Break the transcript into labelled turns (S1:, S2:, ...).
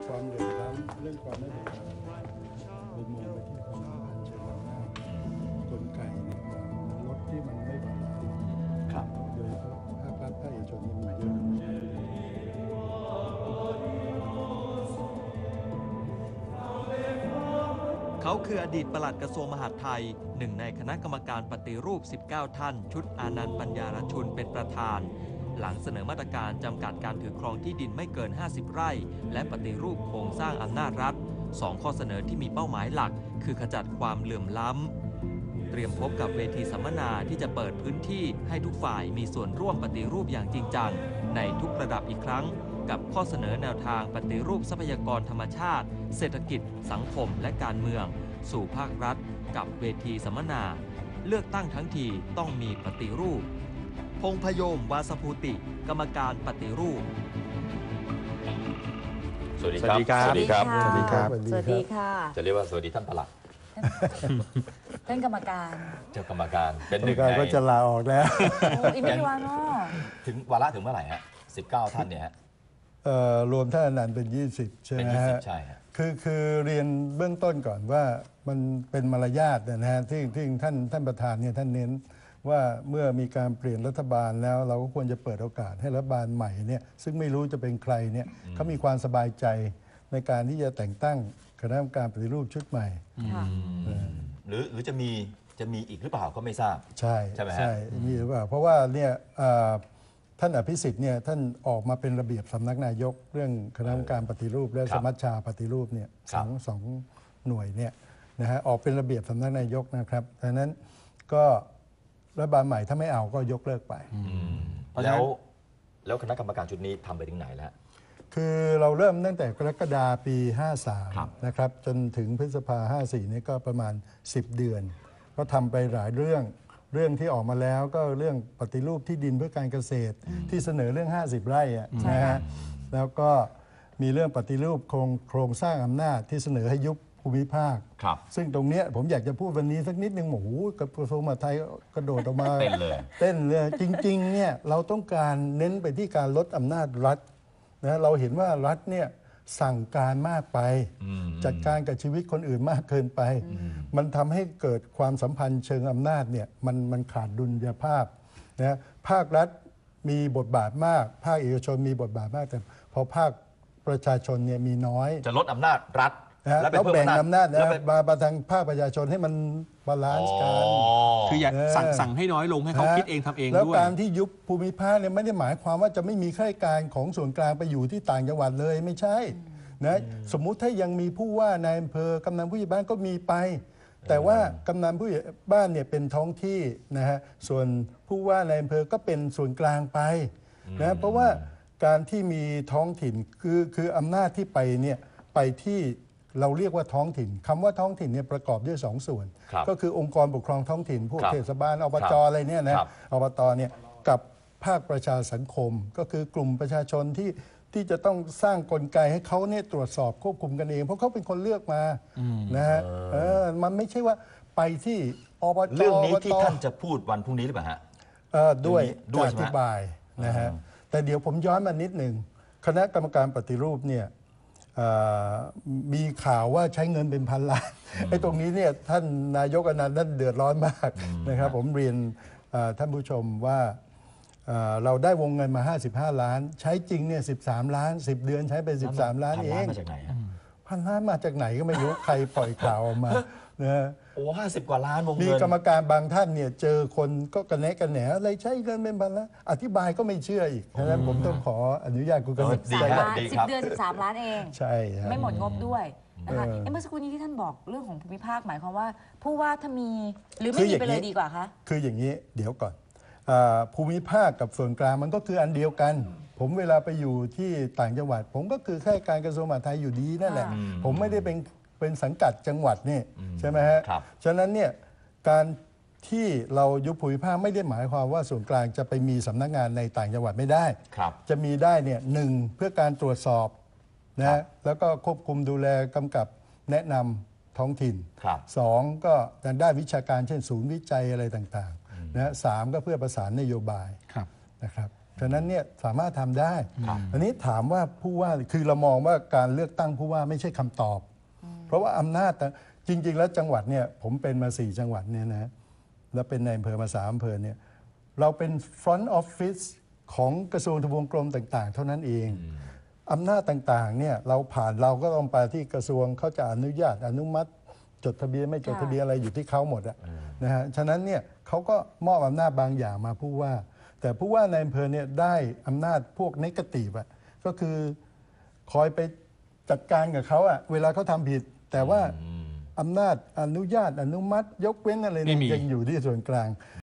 S1: ความเหลื่อมล้ำเรื่องความไม่เป็นธรรมเรามองไปที่ความสัมพันธ์เชิงอำนาจกลไกเนี่ยรถที่มันไม่บาลานซ์
S2: ครับ
S1: โดยเฉพาะภาครัฐภาคเอกชนมันมีเยอะ
S3: เขาคืออดีตปลัดกระทรวงมหาดไทยหนึ่งในคณะกรรมการปฏิรูป 19 ท่านชุดอานันต์ปัญญารชุนเป็นประธานหลังเสนอมาตรการจำกัดการถือครองที่ดินไม่เกิน 50 ไร่และปฏิรูปโครงสร้างอำนาจรัฐ2 ข้อเสนอที่มีเป้าหมายหลักคือขจัดความเหลื่อมล้ำเตรียมพบกับเวทีสัมมนาที่จะเปิดพื้นที่ให้ทุกฝ่ายมีส่วนร่วมปฏิรูปอย่างจริงจังในทุกระดับอีกครั้งกับข้อเสนอแนวทางปฏิรูปทรัพยากรธรรมชาติเศรษฐกิจสังคมและการเมืองสู่ภาครัฐกับเวทีสัมมนาเลือกตั้งทั้งทีต้องมีปฏิรูปพงษ์พยมวาสภูติกรรมการปฏิรูป
S2: สวัสดีครับ
S4: สวัสดีครับ
S1: สวัสดีครับ
S4: สวัสดีค่ะ
S2: จะเรียกว่าสวัสดีท่านปลัด
S4: ท่านกรรมการ
S2: เจ้ากรรมการเป็นหนึ่ง
S1: การ
S2: ใน
S1: ก็จะลาออกแล้ว
S4: โอ้อีกไม่กี่วันเนาะ
S2: ถึงวาระถึงเมื่อไหร่ฮะ19 ท่านเนี่ยฮะ
S1: รวมท่านอนันต์เป็น 20 ใช่
S2: เป็น
S1: ไหมฮะ
S2: 20ใช่ฮะ
S1: คือเรียนเบื้องต้นก่อนว่ามันเป็นมารยาทนะฮะที่ท่านประธานเนี่ยท่านเน้นว่าเมื่อมีการเปลี่ยนรัฐบาลแล้วเราก็ควรจะเปิดโอกาสให้รัฐบาลใหม่เนี่ยซึ่งไม่รู้จะเป็นใครเนี่ยเขามีความสบายใจในการที่จะแต่งตั้งคณะกรรมการปฏิรูปชุดใหม่
S4: ค่ะ
S2: หรือจะมีอีกหรือเปล่าก็ไม่ทราบ
S1: ใช่
S2: ใช่ไหมฮะ
S1: ใช่มีหรือเปล่าเพราะว่าเนี่ยท่านอภิสิทธิ์เนี่ยท่านออกมาเป็นระเบียบสำนักนายกเรื่องคณะกรรมการปฏิรูปและสมัชชาปฏิรูปเนี่ยสองหน่วยเนี่ยนะฮะออกเป็นระเบียบสำนักนายกนะครับดังนั้นก็รัฐบาลใหม่ถ้าไม่เอาก็ยกเลิกไป
S2: แล้วคณะกรรมการชุดนี้ทำไปถึงไหนแล้ว
S1: คือเราเริ่มตั้งแต่กรกฎาปี
S2: ครับ
S1: 53 นะครับจนถึงพฤษภา 54 นี่ก็ประมาณ 10 เดือน ก็ทำไปหลายเรื่องที่ออกมาแล้วก็เรื่องปฏิรูปที่ดินเพื่อการเกษตรที่เสนอเรื่อง 50 ไร่อะนะฮะแล้วก็มีเรื่องปฏิรูปโครงสร้างอำนาจที่เสนอให้ยุบภูมิภาค
S2: ครับ
S1: ซึ่งตรงเนี้ยผมอยากจะพูดวันนี้สักนิดนึงโอ้โหกระทรวงมหาดไทยกระโดดออกมา
S2: เต้นเลย
S1: เต้นเลยจริงๆเนี่ยเราต้องการเน้นไปที่การลดอำนาจรัฐนะเราเห็นว่ารัฐเนี่ยสั่งการมากไปจัดการกับชีวิตคนอื่นมากเกินไป มันทำให้เกิดความสัมพันธ์เชิงอำนาจเนี่ยมันขาดดุลยภาพนะภาครัฐมีบทบาทมาก ภาคเอกชนมีบทบาทมากแต่พอภาคประชาชนเนี่ยมีน้อย
S2: จะลดอำนาจรัฐ
S1: นะแล้ว
S2: ไปเพิ่ม
S1: แบ่งอำนาจ
S2: แล้ว
S1: นะ
S2: ไป
S1: มาทางภาคประชาชนให้มันบาลานซ์กัน
S5: คืออย่าสั่งให้น้อยลงให้เขาคิดเองทำเอง
S1: แล้ว
S5: ด้วย
S1: การที่ยุบภูมิภาคเนี่ยไม่ได้หมายความว่าจะไม่มีข้าราชการของส่วนกลางไปอยู่ที่ต่างจังหวัดเลยไม่ใช่นะสมมุติถ้ายังมีผู้ว่านายอำเภอกำนันผู้ใหญ่บ้านก็มีไป แต่ว่ากำนันผู้ใหญ่บ้านเนี่ยเป็นท้องที่นะฮะส่วนผู้ว่านายอำเภอก็เป็นส่วนกลางไปนะเพราะว่าการที่มีท้องถิ่นคืออำนาจที่ไปเนี่ยไปที่เราเรียกว่าท้องถิ่นคำว่าท้องถิ่นเนี่ยประกอบด้วย2 ส่วน
S2: ครับ
S1: ก็คือองค์กรปกครองท้องถิ่นพวก
S2: ครับ
S1: เทศบาลอบจอะไรเนี่ยนะครับ อบตเนี่ยกับภาคประชาสังคม ก็คือกลุ่มประชาชนที่จะต้องสร้างกลไกให้เขาเนี่ยตรวจสอบควบคุมกันเอง เพราะเขาเป็นคนเลือกมานะฮะมันไม่ใช่ว่าไปที่อบจ
S2: เรื่องนี้ที่
S1: อบต
S2: ท่านจะพูดวันพรุ่งนี้หรือเปล่าฮะ
S1: ด้วย
S2: ด้วย
S1: จะ
S2: ใช่
S1: อ
S2: ไหม
S1: ธิบายนะฮะแต่เดี๋ยวผมย้อนมานิดหนึ่งคณะกรรมการปฏิรูปเนี่ยมีข่าวว่าใช้เงินเป็นพันล้านไอ้ตรงนี้เนี่ยท่านนายกอนันต์ท่านเดือดร้อนมากนะครับผมเรียนท่านผู้ชมว่าเราได้วงเงินมา 55 ล้าน ใช้จริงเนี่ย13 ล้าน 10 เดือนใช้ไป 13 ล้านเอง
S2: มาจากไหนฮะ
S1: พันล้านมาจากไหนก็ไม่รู้ ใครปล่อยข่าวออกมานะ
S2: โอ้50 กว่าล้านวง
S1: มี
S2: เงิน
S1: กรรมการบางท่านเนี่ยเจอคนก็กระแนะกระแหนอะไรใช้เงินเป็นพันล้านอธิบายก็ไม่เชื่ออีกฉะนั้นผมต้องขออนุญาตคุณกำลัง
S2: ดี
S4: 3
S2: ครับ
S4: ล้าน
S2: ดี
S4: 10 เดือน 13 ล้านเอง
S1: ใช่ครับ
S4: ไม่หมดงบด้วยนะคะเมื่อสักครู่นี้ที่ท่านบอกเรื่องของภูมิภาคหมายความว่าผู้ว่าถ้ามีหรือไม่มีไปเลยดีกว่าคะ
S1: คืออย่างนี้เดี๋ยวก่อนภูมิภาคกับส่วนกลางมันก็คืออันเดียวกัน ผมเวลาไปอยู่ที่ต่างจังหวัด ผมก็คือข้าราชการกระทรวงมหาดไทยอยู่ดีนั่นแหละ ผมไม่ได้เป็นสังกัดจังหวัดนี่ใช่ไหมฮะ
S2: ครับ
S1: ฉะนั้นเนี่ยการที่เรายุบภูมิภาคไม่ได้หมายความว่าส่วนกลางจะไปมีสำนักงานในต่างจังหวัดไม่ได้
S2: ครับ
S1: จะมีได้เนี่ยหนึ่งเพื่อการตรวจสอบนะแล้วก็ควบคุมดูแลกำกับแนะนำท้องถิ่น
S2: ครับ
S1: สองก็ทางด้านวิชาการเช่นศูนย์วิจัยอะไรต่างๆนะสามก็เพื่อประสานนโยบาย
S5: ครับ
S1: นะครับฉะนั้นเนี่ยสามารถทำได้
S2: ครับ
S1: อันนี้ถามว่าผู้ว่าคือเรามองว่าการเลือกตั้งผู้ว่าไม่ใช่คำตอบ เพราะว่าอำนาจจริง ๆ แล้วจังหวัดเนี่ยผมเป็นมา4จังหวัดเนี่ยนะแล้วเป็นในอำเภอมา3อำเภอเนี่ยเราเป็น front office ของกระทรวงทบวงกรมต่างๆ เท่านั้นเองอำนาจต่างๆเนี่ยเราก็ต้องไปที่กระทรวงเขาจะอนุญาตอนุมัติจดทะเบียนไม่จดทะเบียนอะไรอยู่ที่เขาหมดอะนะฮะฉะนั้นเนี่ยเขาก็มอบอำนาจบางอย่างมาผู้ว่า แต่ผู้ว่าในอำเภอเนี่ยได้อำนาจพวกเนกาทีฟอะก็คือคอยไปจัดการกับเขาอะเวลาเขาทำผิด แต่ว่าอำนาจอนุญาตอนุมัติยกเว้นอะไรเนี่ยยังอยู่ที่ส่วนกลาง